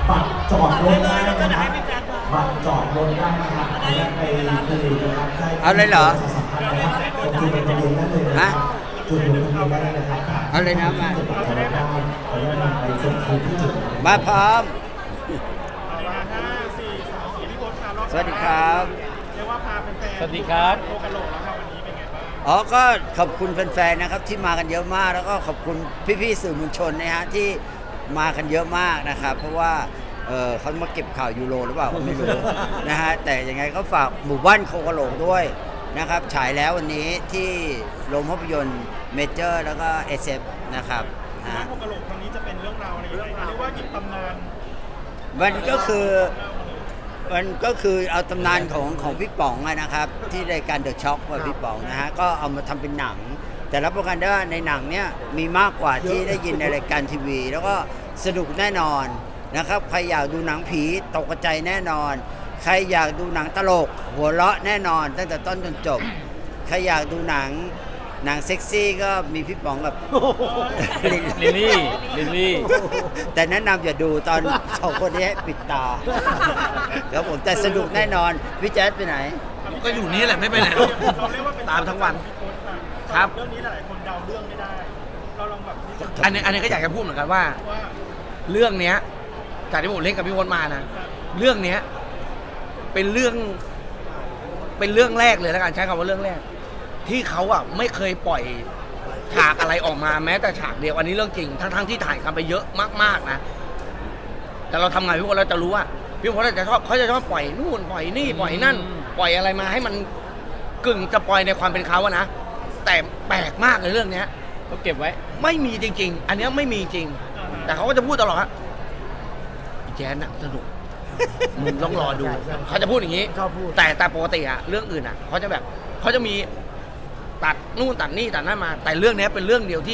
บัตรจอดรถได้นะครับบัตรจอดรถได้นะครับไปคือนะครับเอาเลยเหรอจุดลงทะเบียนได้เลยนะจุดลงทะเบียนได้เลยนะครับเอาเลยนะมาขออนุญาตไปส่งคืนที่จุดมาพร้อมสวัสดีครับเรียกว่าพาแฟนๆสวัสดีครับโคกะโหลกแล้วครับวันนี้เป็นไงบ้างอ๋อก็ขอบคุณแฟนๆนะครับที่มากันเยอะมากแล้วก็ขอบคุณพี่ๆสื่อมวลชนนะฮะที่มากันเยอะมากนะครับเพราะว่าเขามาเก็บข่าวยูโรหรือเปล่าก็ไม่รู้ นะฮะแต่ยังไงก็ฝากหมู่บ้านโคกะโหลกด้วยนะครับฉายแล้ววันนี้ที่โรงภาพยนตร์เมเจอร์แล้วก็เอสเอฟนะครับนะโคกะโหลกครั้งนี้จะเป็นเรื่องราวอะไรยังไงเรียกว่าหยิบตำนานมันก็คือเอาตำนานของพี่ป๋องอะนะครับที่รายการเดอะช็อคว่าพี่ป๋องนะฮะก็เอามาทำเป็นหนัง แต่รับประกันได้ว่าในหนังเนี้ยมีมากกว่าที่ได้ยินในรายการทีวี แล้วก็สนุกแน่นอนนะครับใครอยากดูหนังผีตกใจแน่นอน ใครอยากดูหนังตลกหัวเราะแน่นอนตั้งแต่ต้นจนจบใครอยากดูหนังเซ็กซี่ก็มีพี่ป๋องกับลิลลี่แต่แนะนำอย่าดูตอนสองคนนี้ให้ปิดตาครับผมแต่สนุกแน่นอนพี่แจ๊ดไปไหนก็อยู่นี่แหละไม่ไปไหนหรอกเราเรียกว่าเป็นตามทั้งวันพี่โค้ชอะครับเรื่องนี้หลายๆคนเดาเรื่องไม่ได้ เราลองแบบที่จะอันนี้ก็อยากจะพูดเหมือนกันว่าว่าเรื่องเนี้ยจากที่ผมเล่นกับพี่พลมานะเรื่องเนี้ยเป็นเรื่องแรกเลยแล้วกันใช้คำว่าเรื่องแรก ที่เขาอ่ะไม่เคยปล่อยฉากอะไรออกมาแม้แต่ฉากเดียวอันนี้เรื่องจริงทั้งที่ถ่ายกันไปเยอะมากๆนะแต่เราทำงานพี่พลเราจะรู้ว่าพี่พลเขาจะชอบปล่อยนู่นปล่อยนี่ปล่อยนั่น ปล่อยอะไรมาให้มันกึ่งจะปล่อยในความเป็นเขาอะนะแต่แปลกมากเลยเรื่องเนี้ยเขาเก็บไว้ไม่มีจริงๆ อันเนี้ยไม่มีจริง แต่เขาก็จะพูดตลอดฮะอีแจ๊นน่ะสนุก มึงต้องรอดู เขาจะพูดอย่างนี้ แต่ปกติอะเรื่องอื่นอะเขาจะมีตัดนู่นตัดนี่ตัดนั่นมา แต่เรื่องเนี้ยเป็นเรื่องเดียวที่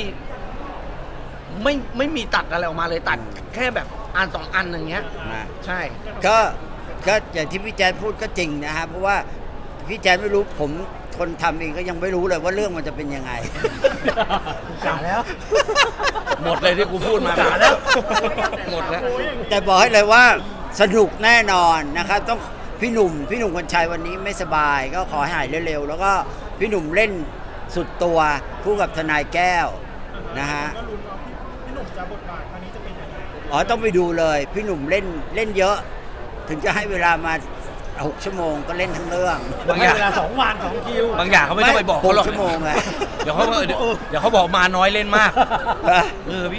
ไม่มีตัดอะไรออกมาเลยตัดแค่แบบอันสองอันอย่างเงี้ยนะใช่ก็อย่างที่พี่แจ๊ดพูดก็จริงนะฮะเพราะว่าพี่แจ๊ดไม่รู้ผมคนทำเองก็ยังไม่รู้เลยว่าเรื่องมันจะเป็นยังไงกาแล้ว หมดเลยที่กูพูดมากาแล้ว หมดแล้วแต่บอกให้เลยว่าสนุกแน่นอนนะครับต้องพี่หนุ่มคนชัยวันนี้ไม่สบายก็ขอให้หายเร็วๆแล้วก็พี่หนุ่มเล่นสุดตัวคู่กับทนายแก้วนะฮะก็ลุ้นว่าพี่หนุ่มจะบทบาทครั้งนี้จะเป็นยังไงอ๋อต้องไปดูเลยพี่หนุ่มเล่นเยอะ ถึงจะให้เวลามา6 ชั่วโมงก็เล่นทั้งเรื่องบางอย่างเวลา2 วัน 2 คิวบางอย่างเขาไม่ต้องไปบอกเขาหรอก 6 ชั่วโมงไงเดี๋ยวเขาบอกมาน้อยเล่นมากพี่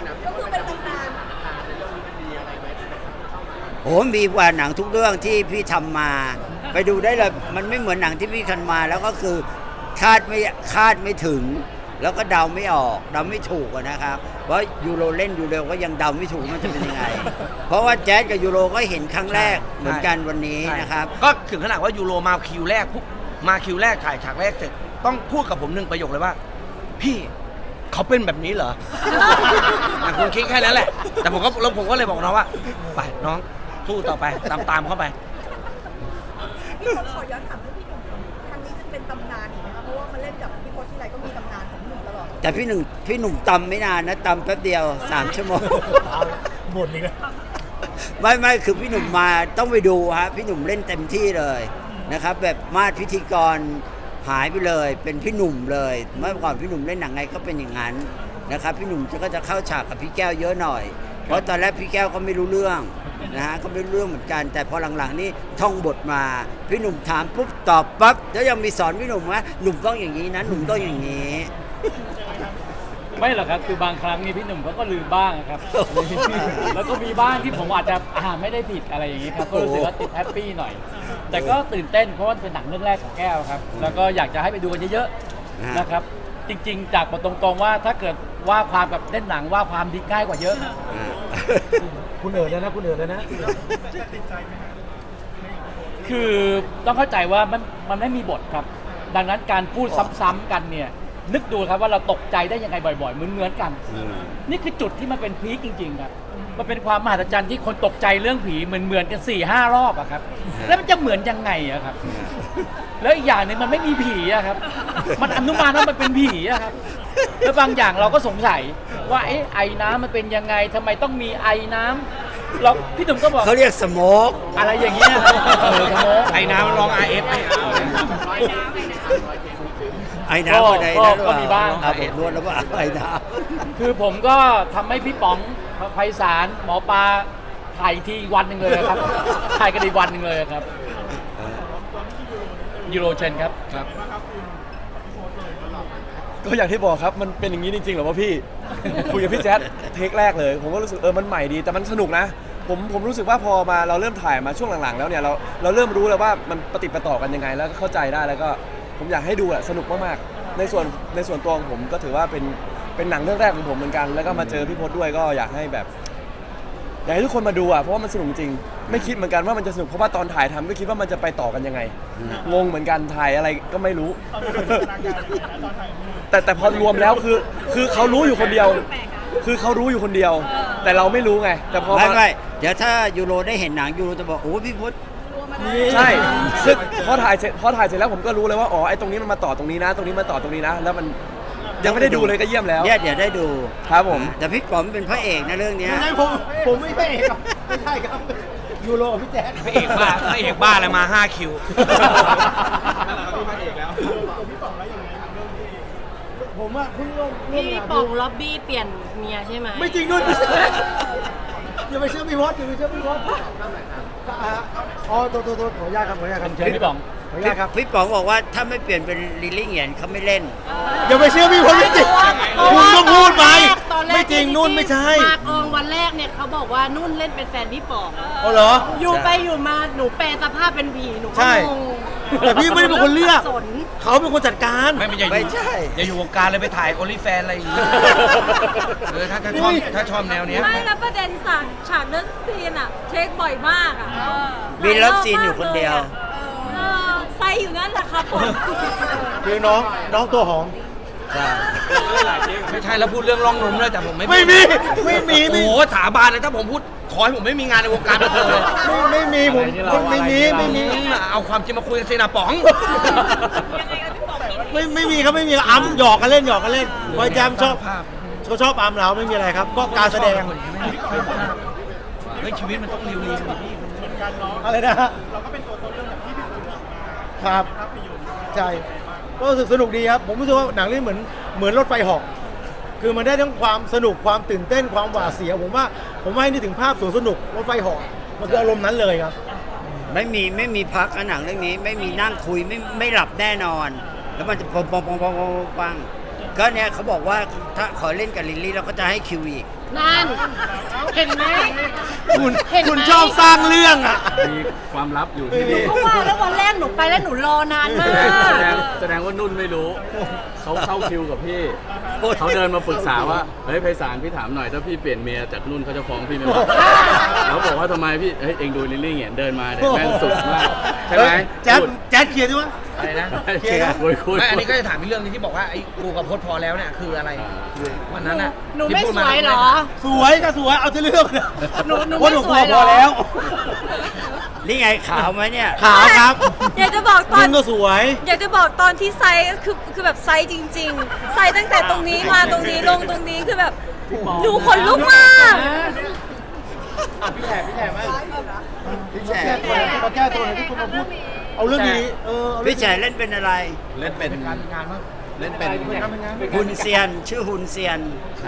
โอ้มีกว่าหนังทุกเรื่องที่พี่ทำมา ไปดูได้เลยมันไม่เหมือนหนังที่พี่ทำมา แล้วก็คือคาดไม่ถึง แล้วก็เดาไม่ออกเดาไม่ถูกอะนะครับเพราะยูโรเล่นยูโรก็ยังเดาไม่ถูกมันจะเป็นยังไง เพราะว่าแจ๊สกับยูโรก็เห็นครั้งแรกเหมือนกันวันนี้นะครับก็ถึงขนาดว่ายูโรมาคิวแรกปุ๊บมาคิวแรกถ่ายฉากแรกเสร็จต้องพูดกับผมหนึ่งประโยคเลยว่า พี่เขาเป็นแบบนี้เหรอ คุณคิดแค่นั้นแหละ แต่ผมก็เลยบอกน้องว่าไปน้องสู้ต่อไปตามเข้าไปขอย้อนถามเรื่องพี่หนุ่มครั้งนี้จะเป็นตำนานอีกไหมคะเพราะว่ามาเล่นกับพี่โค้ชที่ไรก็มีตำนานของพี่หนุ่มตลอดแต่พี่หนุ่มตำไม่นานนะตำแป๊บเดียว3 ชั่วโมงหมดเลยนะไม่คือพี่หนุ่มมาต้องไปดูฮะพี่หนุ่มเล่นเต็มที่เลยนะครับแบบมาดพิธีกรหายไปเลยเป็นพี่หนุ่มเลยเมื่อก่อนพี่หนุ่มเล่นหนังไงก็เป็นอย่างนั้นนะครับพี่หนุ่มก็จะเข้าฉากกับพี่แก้วเยอะหน่อยเพราะตอนแรกพี่แก้วก็ไม่รู้เรื่องนะฮะก็ไม่รู้เรื่องเหมือนกันแต่พอหลังๆนี่ท่องบทมาพี่หนุ่มถามปุ๊บตอบปั๊บแล้วยังมีสอนพี่หนุ่มว่าหนุ่มต้องอย่างนี้นะหนุ่มต้องอย่างนี้ไม่หรอกครับ คือบางครั้งนี่พี่หนุ่มเขาก็ลืมบ้างครับ แล้วก็มีบ้างที่ผมอาจจะไม่ได้ผิดอะไรอย่างนี้ครับ ก็รู้สึกว่าติดแฮปปี้หน่อย แต่ก็ตื่นเต้นเพราะว่าเป็นหนังเรื่องแรกของแก้วครับ แล้วก็อยากจะให้ไปดูกันเยอะๆนะครับ จริงๆ จากบทตรงๆว่าถ้าเกิดว่าความกับเล่นหนังว่าความดีง่ายกว่าเยอะคุณเอ๋เลยนะคุณเอ๋เลยนะจะติดใจไหมฮะคือต้องเข้าใจว่ามันไม่มีบทครับ ดังนั้นการพูดซ้ำๆกันเนี่ยนึกดูครับว่าเราตกใจได้ยังไงบ่อยๆเหมือนกัน นี่คือจุดที่มันเป็นพีคจริงๆครับมันเป็นความมหัศจรรย์ที่คนตกใจเรื่องผีเหมือนกัน 4-5 รอบอะครับแล้วมันจะเหมือนยังไงอะครับแล้วอีกอย่างหนึงมันไม่มีผีอะครับมันอนุมานว่ามันเป็นผีอะครับแล้วบางอย่างเราก็สงสัยว่าไอ้น้ำมันเป็นยังไงทำไมต้องมีไอน้ำเราพี่หนุ่มก็บอกเขาเรียกสโมกอะไรอย่างเงี้ยสโมกไอ้น้ำมันร้อง RF ไม่เอาไอ้น้ำอะไรนะก็มีบ้างผมนวดแล้วว่าไอ้น้ำคือผมก็ทำให้พี่ป๋องไพศาลหมอปลาถ่ายอีกทีอีกวันหนึ่งเลยครับ ถ่ายกันอีกวันหนึ่งเลยครับยูโรเชนครับก็อย่างที่บอกครับมันเป็นอย่างนี้จริงๆเหรอวะพี่ คุยกับพี่แจ๊ดเทคแรกเลย ผมก็รู้สึกมันใหม่ดีแต่มันสนุกนะผมรู้สึกว่าพอมาเราเริ่มถ่ายมาช่วงหลังๆแล้วเนี่ยเราเริ่มรู้แล้วว่ามันปฏิดประต่อกันยังไงแล้วก็เข้าใจได้แล้วก็ผมอยากให้ดูสนุกมากๆในส่วนตัวของผมก็ถือว่าเป็นหนังเรื่องแรกของผมเหมือนกันแล้วก็มาเจอพี่พจน์ด้วยก็อยากให้แบบอยากให้ทุกคนมาดูเพราะว่ามันสนุกจริงไม่คิดเหมือนกันว่ามันจะสนุกเพราะว่าตอนถ่ายทำก็คิดว่ามันจะไปต่อกันยังไงงงเหมือนกันถ่ายอะไรก็ไม่รู้ แต่พอรวมแล้วคือเขารู้อยู่คนเดียว คือเขารู้อยู่คนเดียว แต่เราไม่รู้ไง แต่พอไม่เดี๋ยวถ้ายูโรได้เห็นหนังยูโรจะบอกโอ้พี่พุทธใช่ซึ่งพอถ่ายเสร็จแล้วผมก็รู้เลยว่าอ๋อไอ้ตรงนี้มันมาต่อตรงนี้นะ ตรงนี้มาต่อตรงนี้นะ แล้วมันยังไม่ได้ดูเลยก็เยี่ยมแล้วเนี่ยเดี๋ยวได้ดูครับผมแต่พี่ป๋อมเป็นพระเอกนะเรื่องเนี้ยผมไม่ใช่ครับไม่ใช่ครับยูโรกับพี่แจ๊ดพระเอกบ้าอะไรมา5คิวผมว่าเพิ่งร่วมพี่ป๋องล็อบบี้เปลี่ยนเมียใช่ไหมไม่จริงด้วยอย่าไปเชื่อพี่พอดอย่าไปเชื่อพี่พอดอ๋อตัวขออนุญาตครับขออนุญาตครับเชิญพี่ป๋องขออนุญาตครับพี่ป๋องบอกว่าถ้าไม่เปลี่ยนเป็นลิลลี่เหงียนเขาไม่เล่นอย่าไปเชื่อพี่พอดไม่จริงคุณก็พูดไปไม่จริงนุ่นไม่ใช่มากองวันแรกเนี่ยเขาบอกว่านุ่นเล่นเป็นแฟนพี่ป๋องอ๋อเหรออยู่ไปอยู่มาหนูแปลสภาพเป็นผีหนูก็ใช่งงแต่พี่ไม่ได้เป็นคนเลือกสนเขาเป็นคนจัดการไม่ใช่อย่าอยู่วงการเลยไปถ่ายโอลิแฟนอะไรอย่างเงี้ยถ้าชอบแนวเนี้ยไม่แล้วประเด็นฉากเลิฟซีนอะเทคบ่อยมากอะมีเลิฟซีนอยู่คนเดียวไซอยู่นั่นแหละครับผมคือน้องตัวหอมไม่ใช่แล้วพูดเรื่องร่องนมด้วยแต่ผมไม่ไม่มีโอ้โหสาบานเลยถ้าผมพูดขอให้ผมไม่มีงานในวงการบันเทิงเลยไม่มีผมไม่มีเอาความจริงมาคุยกันสินะป๋องไม่มีครับไม่มีอัมหยอกกันเล่นพอยแจมชอบเขาชอบอัมเราไม่มีอะไรครับ ก็การแสดงเฮ้ยชีวิตมันต้องเรียวๆดิพี่อะไรนะฮะเราก็เป็นตัวต้นเรื่องแบบที่พี่คุณบอกมาครับภาพยนตร์ใช่ก็รู้สึกสนุกดีครับ ผมรู้สึกว่าหนังเรื่องเหมือนรถไฟเหาะคือมันได้ทั้งความสนุกความตื่นเต้นความหวาดเสียวผมว่าให้นึกถึงภาพสวนสนุกรถไฟเหาะมันคืออารมณ์นั้นเลยครับไม่มีพักนะหนังเรื่องนี้ไม่มีนั่งคุยไม่หลับแน่นอน แล้วมันจะปังก็เนี่ยเขาบอกว่าถ้าขอเล่นกับลิลลี่เราก็จะให้คิวอีกนั่น เห็นไหมคุณชอบสร้างเรื่องอ่ะมีความลับอยู่ที่หนูนี่ก็ว่าแล้ววันแรกหนูไปแล้วหนูรอนานมากแสดงว่านุ่นไม่รู้ เขาเข้าคิวกับพี่ เขาเดินมาปรึกษาว่า เฮ้ยไพศาลพี่ถามหน่อย ถ้าพี่เปลี่ยนเมียจากนุ่นเขาจะฟ้องพี่ไหมวะแล้วบอกว่าทำไมพี่ เฮ้ยเองดูลิลลี่เงี้ยเดินมาเนี่ยแม่งสุดมาก ใช่ไหมแจ๊ดเคลียร์ดิวะอะไรนะเคลียร์คุยไม่อันนี้ก็จะถามอีกเรื่องนึงที่บอกว่าไอ้กูกับพจน์พอแล้วเนี่ยคืออะไรวันนั้นน่ะหนูไม่ที่พูดสวยเหรอสวยก็สวยเอาที่เรื่องหนูไม่สวยเหรอพอแล้วนี่ไงขาวไหมเนี่ยขาวครับอยากจะบอกตอนนุ่นก็สวยอยากจะบอกตอนที่ไซส์คือแบบไซส์จริงๆ ไซส์ตั้งแต่ตรงนี้มาตรงนี้ลงตรงนี้คือแบบดูขนลุกมากพี่แฉมาแก้ตัวหน่อยที่คุณมาพูดเอาเรื่องนี้พี่แฉเล่นเป็นอะไรเล่นเป็นฮุนเซียนชื่อฮุนเซียนใช่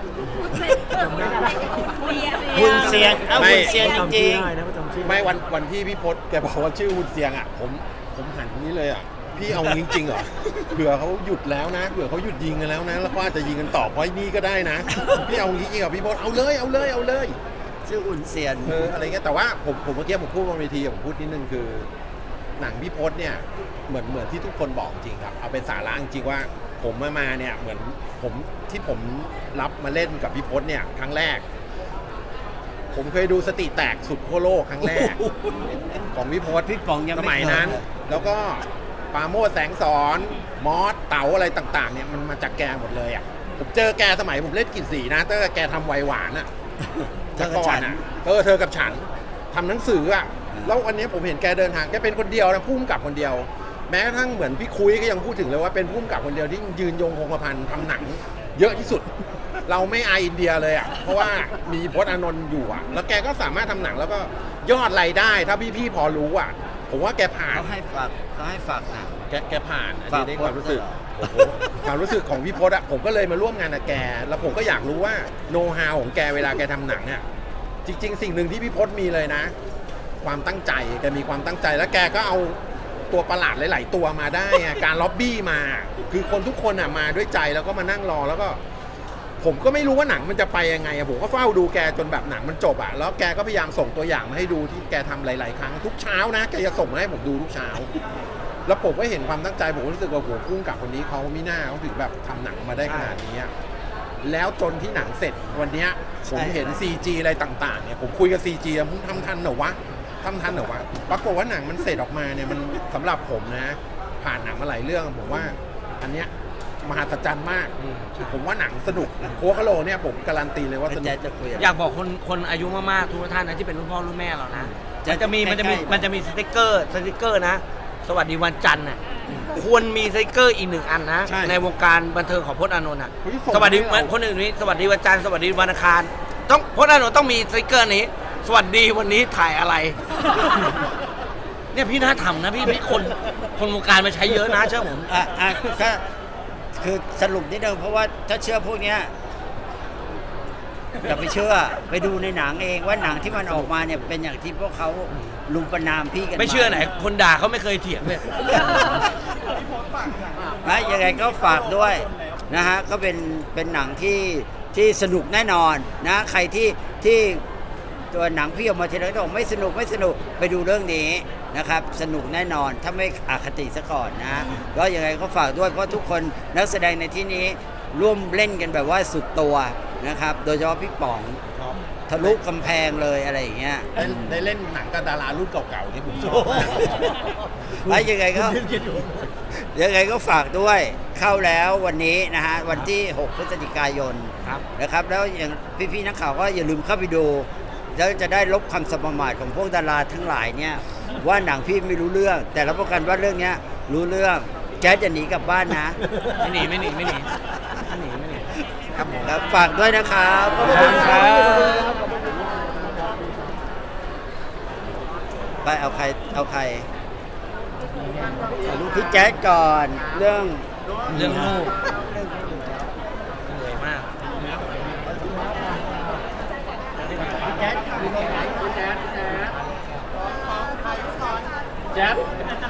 ฮุนเซียนฮุนเซียนจริงไม่วันที่พี่พศแกบอกว่าชื่อฮุนเซียงอ่ะผมหันตรงนี้เลยอ่ะพี่เอาจริงๆเหรอเผื่อเขาหยุดแล้วนะเผื่อเขาหยุดยิงกันแล้วนะแล้วก็อาจจะยิงกันต่อเพราะนี่ก็ได้นะพี่เอาจริงๆกับพี่พศเอาเลยชื่อฮุนเซียนอะไรเงี้ยแต่ว่าผมเมื่อกี้ผมพูดบนเวทีผมพูดนิดนึงคือหนังพี่พศเนี่ยเหมือนที่ทุกคนบอกจริงครับเอาเป็นสาระจริงว่าผมมาเนี่ยเหมือนผมรับมาเล่นกับพี่พศเนี่ยครั้งแรก ผมเคยดูสติแตกสุดขั้วโลกครั้งแรก ของพี่พศพี่ป๋องยังสไม่มัยเคยนั้น แล้วก็ปราโมชแสงสอนมอสเต๋าอะไรต่างๆเนี่ยมันมาจากแกหมดเลยอ่ะผมเจอแกสมัยผมเล่นกลิ่นสีนะตั้งแต่แกทำไวหวานอ่ะเธอกับฉันเธอกับฉันทำหนังสืออ่ะแล้ววันนี้ผมเห็นแกเดินทางแกเป็นคนเดียวนะพุ่มกับคนเดียว แม้กระทั่งเหมือนพี่คุยก็ยังพูดถึงเลยว่าเป็นพุ่มกับคนเดียวที่ยืนยงคงกระพันทำหนังเยอะที่สุดเราไม่อายอินเดียเลยอ่ะเพราะว่ามีพจน์อานนท์อยู่อ่ะแล้วแกก็สามารถทำหนังแล้วก็ยอดรายได้ถ้าพี่ๆพอรู้อ่ะผมว่าแกผ่านเขาให้ฝากหนังแกผ่านอันฝากนี้ในความรู้สึกพจน์โอ้โหความรู้สึกของพี่พจน์อะผมก็เลยมาร่วมงานกับแก แล้วผมก็อยากรู้ว่าโน้ตฮาวของแกเวลาแกทำหนังอะจริง ๆ สิ่งหนึ่งที่พี่พจน์มีเลยนะ ความตั้งใจแกมีความตั้งใจแล้วแกก็เอาตัวประหลาดหลาย ๆ ตัวมาได้ไงการล็อบบี้มา คือคนทุกคนอะมาด้วยใจแล้วก็มานั่งรอแล้วก็ ผมก็ไม่รู้ว่าหนังมันจะไปยังไงอะผมก็เฝ้าดูแกจนแบบหนังมันจบอะแล้วแกก็พยายามส่งตัวอย่างมาให้ดูที่แกทำหลาย ๆ ครั้งทุกเช้านะแกจะส่งมาให้ผมดูทุกเช้า แล้วผมก็เห็นความตั้งใจผมก็รู้สึกว่าโหพุ่งกับคนนี้เขาไม่น่าเขาถึงแบบทำหนังมาได้ขนาดนี้อะแล้วจนที่หนังเสร็จวันเนี้ยผมเห็น CG อะไรต่าง ๆ เนี่ยผมคุยกับ CG อะมึงทำทันเหรอวะทำทันเหรอวะปรากฏว่าหนังมันเสร็จออกมาเนี่ยมันสำหรับผมนะ ผ่านหนังมาหลายเรื่องผมว่าอันเนี้ยมหัศจรรย์มากผมว่าหนังสนุกโคคาโลเนี่ยผมการันตีเลยว่าสนุแจ๊กดจะคุยอยากบอกคนอายุมากๆทุกท่านนะที่เป็นรุ่นพ่อรุ่นแม่เรานะจะมันจะมีใกล้ๆมันจะมีสติ๊กเกอร์นะ สวัสดีวันจันทร์น่ะควรมีสติ๊กเกอร์อีก1 อันนะใช่ในวงการบันเทิงของพจน์อานนท์อ่ะเฮ้ยส่งสวัสดีให้เราคนอื่นนี้สวัสดีวันจันทร์สวัสดีวันอังคารต้องพจน์อานนท์ต้องมีสติ๊กเกอร์นี้ สวัสดีวันนี้ถ่ายอะไร เนี่ยพี่น่าทำนะพี่คนวงการมาใช้เยอะนะเชื่อผมก็คือสรุปนิดนึงเพราะว่าถ้าเชื่อพวกเนี้ยอย่าไปเชื่อไปดูในหนังเองว่าหนังที่มันออกมาเนี่ยเป็นอย่างที่พวกเขาลุมประนามพี่กันไม่เชื่อไหน คนด่าเขาไม่เคยเถียงเลยนะยังไงก็ฝากด้วยนะฮะก็เป็นหนังที่สนุกแน่นอนนะใครที่ตัวหนังพี่ออกมาทีไรก็บอกไม่สนุกไปดูเรื่องนี้นะครับสนุกแน่นอนถ้าไม่อคติซะก่อนนะก็ยังไงก็ฝากด้วยเพราะทุกคนนักแสดงในที่นี้ร่วมเล่นกันแบบว่าสุดตัวนะครับโดยเฉพาะพี่ป๋องทะลุกำแพงเลยอะไรอย่างเงี้ยได้เล่นหนังกับดารารุ่นเก่าๆนี่ผมชอบมากแล้วยังไงก็ฝากด้วยเข้าแล้ววันนี้นะฮะวันที่ 6 พฤศจิกายนนะครับแล้วอย่างพี่ๆนักข่าวก็อย่าลืมเข้าไปดูแล้วจะได้ลบคำสมมาทของพวกดาราทั้งหลายเนี่ยว่าหนังพี่ไม่รู้เรื่องแต่รับประกันว่าเรื่องเนี้ยรู้เรื่องแจ๊ดจะหนีกลับบ้านนะไม่หนีครับผมครับฝากด้วยนะครับขอบคุณครับไปเอาใครพี่แจ๊ดก่อนเรื่องเรื่องลูกเหนื่อยมากแจ๊บ